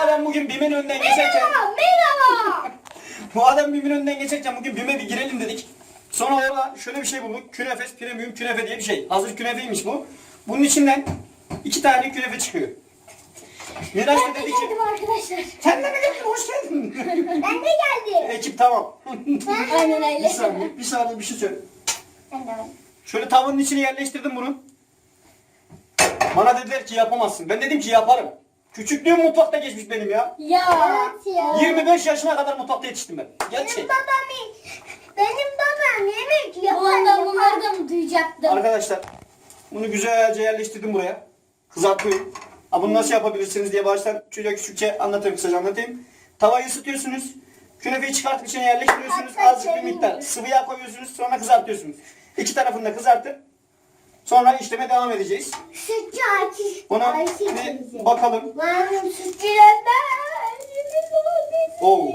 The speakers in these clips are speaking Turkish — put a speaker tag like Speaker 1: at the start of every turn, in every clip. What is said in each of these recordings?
Speaker 1: adam bugün BİM'in önünden geçerken...
Speaker 2: Merhaba.
Speaker 1: Bu adam BİM'in önünden geçerken bugün BİM'e bir girelim dedik. Sonra orada şöyle bir şey bulduk. Künefes Premium Künefe diye bir şey. Hazır künefeymiş bu. Bunun içinden 2 tane künefe çıkıyor. Miraç da dedi ki...
Speaker 2: Geldim arkadaşlar.
Speaker 1: Sen de mi geldin? Hoş geldin.
Speaker 2: Ben de geldim.
Speaker 1: Ekip tamam.
Speaker 2: Aynen öyle.
Speaker 1: Bir saniye bir şey söyle.
Speaker 2: Ben de var.
Speaker 1: Şöyle tavanın içine yerleştirdim bunu. Bana dediler ki yapamazsın. Ben dedim ki yaparım. Küçüklüğüm mutfakta geçmiş benim ya.
Speaker 2: Ya. Evet ya.
Speaker 1: 25 yaşına kadar mutfakta yetiştim ben. Gerçek.
Speaker 2: Benim babam yemek yapar. Bunları da mı duyacaktım?
Speaker 1: Arkadaşlar bunu güzelce yerleştirdim buraya. Kızartıyorum. Bunu nasıl yapabilirsiniz diye baştan çocuğa küçükçe anlatayım, kısaca anlatayım. Tavayı ısıtıyorsunuz. Künefeyi çıkartıp içine yerleştiriyorsunuz. Azıcık bir miktar sıvı yağ koyuyorsunuz. Sonra kızartıyorsunuz. İki tarafını da kızartıp sonra işleme devam edeceğiz.
Speaker 2: Sütçü açış.
Speaker 1: Buna bir bakalım.
Speaker 2: Ben sütçü
Speaker 1: Oo.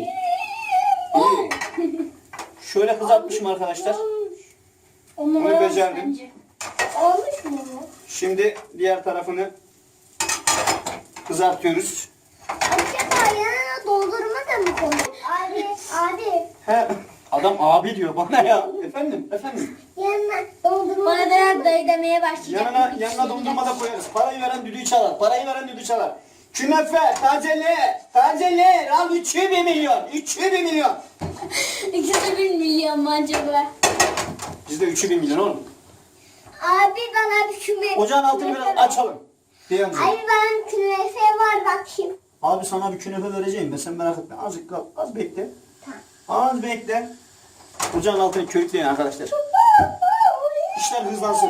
Speaker 1: Şöyle kızartmışım arkadaşlar. Bunu becerdim.
Speaker 2: Olmuş mu?
Speaker 1: Şimdi diğer tarafını kızartıyoruz.
Speaker 2: Acaba yanına doldurma da mı koyuyor? Abi.
Speaker 1: He, adam abi diyor bana ya. Efendim.
Speaker 2: Yanına doldurma. Bana da dayı demeye başlayacak.
Speaker 1: Yanına dondurma da koyarız. Parayı veren düdüğü çalar. Künefe, tazeler. Al 3'ü 1 milyon. 3'ü 1 milyon.
Speaker 2: İkisi 1 milyon mu acaba?
Speaker 1: Bizde 3'ü 1 milyon oğlum.
Speaker 2: Abi bana bir künefe.
Speaker 1: Ocağın altını biraz açalım. Diyelim.
Speaker 2: Ay ben künefe var bakayım.
Speaker 1: Abi sana bir künefe vereceğim ben, sen merak etme. Azıcık kal, az bekle.
Speaker 2: Tamam.
Speaker 1: Az bekle. Ocağın altını körükleyin arkadaşlar. İşler hızlansın.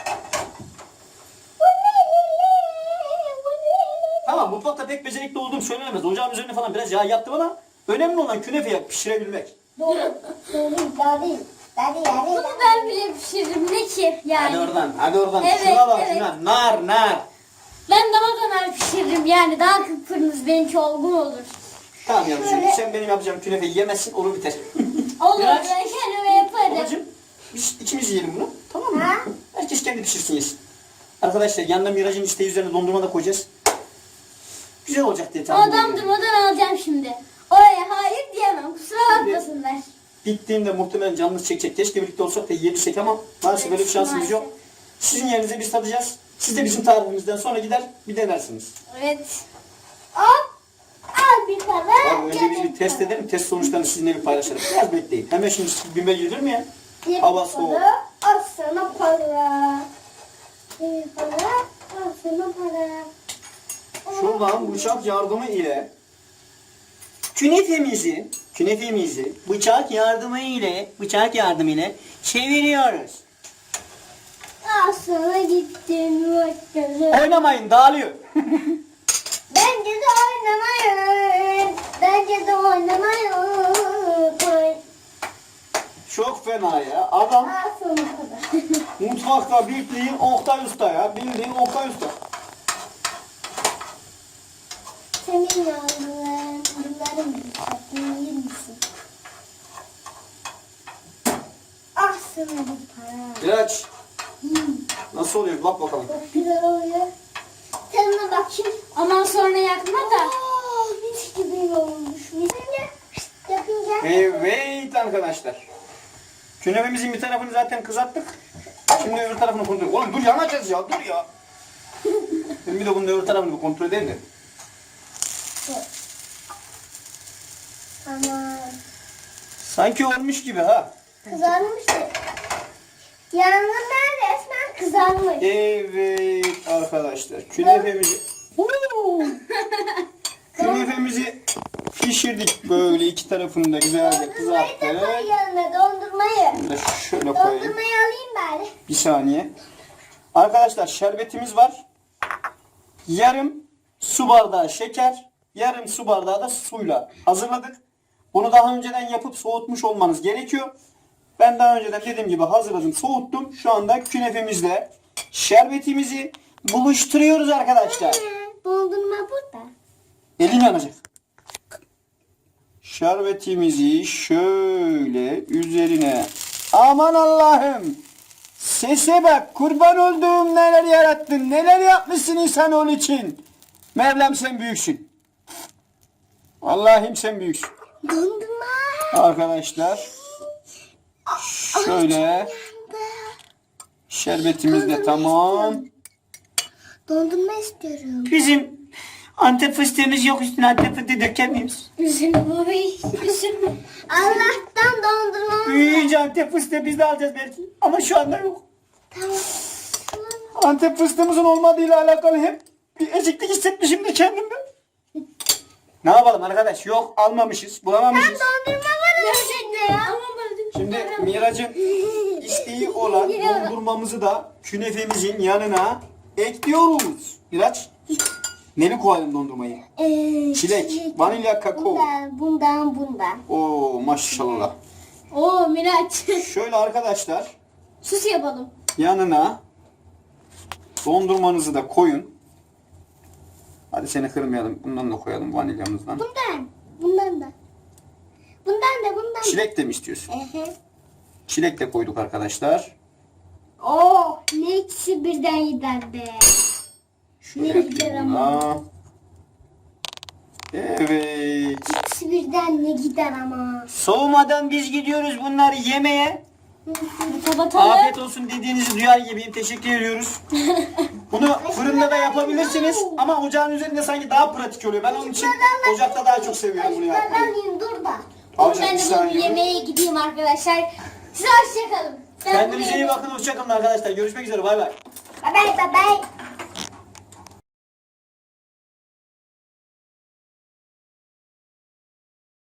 Speaker 1: Tamam, mutfakta pek becerikli olduğum söylenemez. Ocağın üzerine falan biraz yağ yaptım ama önemli olan künefeyi pişirebilmek.
Speaker 2: Doğru. Daha değil. Bunu ben bile pişiririm ne ki yani.
Speaker 1: Hadi oradan.
Speaker 2: Evet,
Speaker 1: Şuna bak,
Speaker 2: evet.
Speaker 1: şuna. Nar.
Speaker 2: Ben daha da nar pişiririm yani daha kıpkırmızı benimki olgun olur.
Speaker 1: Tamam yavrucuğum, sen benim yapacağım künefeyi yemezsin, olur biter.
Speaker 2: Olur
Speaker 1: Biraz.
Speaker 2: ben kendime yaparım.
Speaker 1: Babacığım, biz ikimiz yiyelim bunu, tamam mı?
Speaker 2: Ha?
Speaker 1: Herkes kendi pişirsin yesin. Arkadaşlar yanında Miraç'ın isteği üzerine dondurma da koyacağız. Güzel olacak diye tahmin ediyorum.
Speaker 2: Dondurmadan alacağım şimdi. Oraya hayır diyemem kusura bakmasınlar.
Speaker 1: Bittiğimde muhtemelen canınız çekecek. Keşke birlikte olsak da yiyebilsek ama maalesef böyle bir şansımız yok. Sizin yerinize biz tadacağız. Siz de bizim tarifimizden sonra gider bir denersiniz.
Speaker 2: Evet. Hop. Al bir tane.
Speaker 1: Abi önce biz bir test edelim. Test sonuçlarını sizinle bir paylaşalım. Biraz bekleyin. Hemen şimdi BİM'e gidilir mi ya? Hava soğuk.
Speaker 2: Al sana para. Bir para. Al sana para.
Speaker 1: Şuradan bıçak yardımı ile künefemizi bıçak yardımı ile çeviriyoruz.
Speaker 2: Al sana gittim.
Speaker 1: Oynamayın, dağılıyor.
Speaker 2: Bence de oynamayın.
Speaker 1: Çok fena ya. Adam
Speaker 2: Al sana para.
Speaker 1: mutfakta bildiğin Oktay Usta ya. Bildiğin Oktay Usta.
Speaker 2: Senin yavruların bunların tatlı yer misin? Ah sana bu para.
Speaker 1: Miraç. Nasıl oluyor? Bak bakalım.
Speaker 2: Çok güzel oluyor. Tadına bakayım. Aman sonra yakma da. Mis gibi olmuş. Yapınca.
Speaker 1: Evet arkadaşlar. Künefemizin bir tarafını zaten kızarttık. Şimdi öbür tarafını kontrol edelim. Oğlum dur, yanacağız ya, dur ya. Ben bir de bunun öbür tarafını bir kontrol edeyim de.
Speaker 2: Aman.
Speaker 1: Sanki olmuş gibi ha.
Speaker 2: Kızarmış da. Yanından resmen kızarmış.
Speaker 1: Evet arkadaşlar. Künefemizi pişirdik böyle, iki tarafını da güzelce
Speaker 2: Dondurmayı da
Speaker 1: kızarttık.
Speaker 2: koy yanına dondurmayı.
Speaker 1: Bunu da şöyle koyayım.
Speaker 2: Dondurmayı alayım bari.
Speaker 1: Bir saniye. Arkadaşlar şerbetimiz var. Yarım su bardağı şeker, yarım su bardağı da suyla hazırladık. Bunu daha önceden yapıp soğutmuş olmanız gerekiyor. Ben daha önceden dediğim gibi hazırladım, soğuttum. Şu anda künefemizle şerbetimizi buluşturuyoruz arkadaşlar.
Speaker 2: Dondurma burada.
Speaker 1: Elin yanacak. Şerbetimizi şöyle üzerine. Aman Allah'ım. Sese bak, kurban olduğum, neler yarattın, neler yapmışsın insanoğlu için. Mevlam sen büyüksün. Allah'ım sen büyüksün.
Speaker 2: Dondurma.
Speaker 1: Arkadaşlar şöyle şerbetimiz de tamam.
Speaker 2: Dondurma istiyorum.
Speaker 1: Bizim Antep fıstığımız yok, üstüne Antep fıstığı dökemiyoruz.
Speaker 2: Üzülme baba. Üzülme. Allah'tan dondurma.
Speaker 1: Büyüyünce Antep fıstığı biz de alacağız belki. Ama şu anda yok.
Speaker 2: Tamam.
Speaker 1: Antep fıstığımızın olmadığıyla alakalı hep bir eziklik hissetmişim de kendimde. Ne yapalım arkadaş? Yok, almamışız, bulamamışız.
Speaker 2: Dondurma var gerçekten ya.
Speaker 1: Şimdi Miraç'ın isteği olan dondurmamızı da künefemizin yanına ekliyoruz. Miraç, neli koyalım dondurmayı? Çilek, vanilya, kakao.
Speaker 2: Bundan.
Speaker 1: Oo maşallah.
Speaker 2: Oo Miraç.
Speaker 1: Şöyle arkadaşlar
Speaker 2: Sus yapalım.
Speaker 1: yanına dondurmanızı da koyun. Hadi seni kırmayalım. Bundan da koyalım, vanilyamızdan.
Speaker 2: Bundan da.
Speaker 1: Çilek de mi istiyorsun?
Speaker 2: Ehe.
Speaker 1: Çilek de koyduk arkadaşlar.
Speaker 2: Oo, ne ikisi birden gider be.
Speaker 1: Şöyle
Speaker 2: Ne gider ama.
Speaker 1: buna. Evet.
Speaker 2: İkisi birden ne gider ama.
Speaker 1: Soğumadan biz gidiyoruz bunları yemeye.
Speaker 2: Kapatalım.
Speaker 1: Afiyet olsun dediğinizi duyar gibiyim. Teşekkür ediyoruz. Bunu fırında da yapabilirsiniz ama ocağın üzerinde sanki daha pratik oluyor. Ben onun için ocakta daha çok seviyorum bunu yapmayı.
Speaker 2: Ben dur da.
Speaker 1: Alacak
Speaker 2: Ben
Speaker 1: bir
Speaker 2: de
Speaker 1: saniye.
Speaker 2: bunu yemeğe gideyim arkadaşlar. Size hoşçakalın.
Speaker 1: Kendinize iyi bakın. Hoşçakalın arkadaşlar. Görüşmek üzere. Bay bay.
Speaker 2: Bye bye.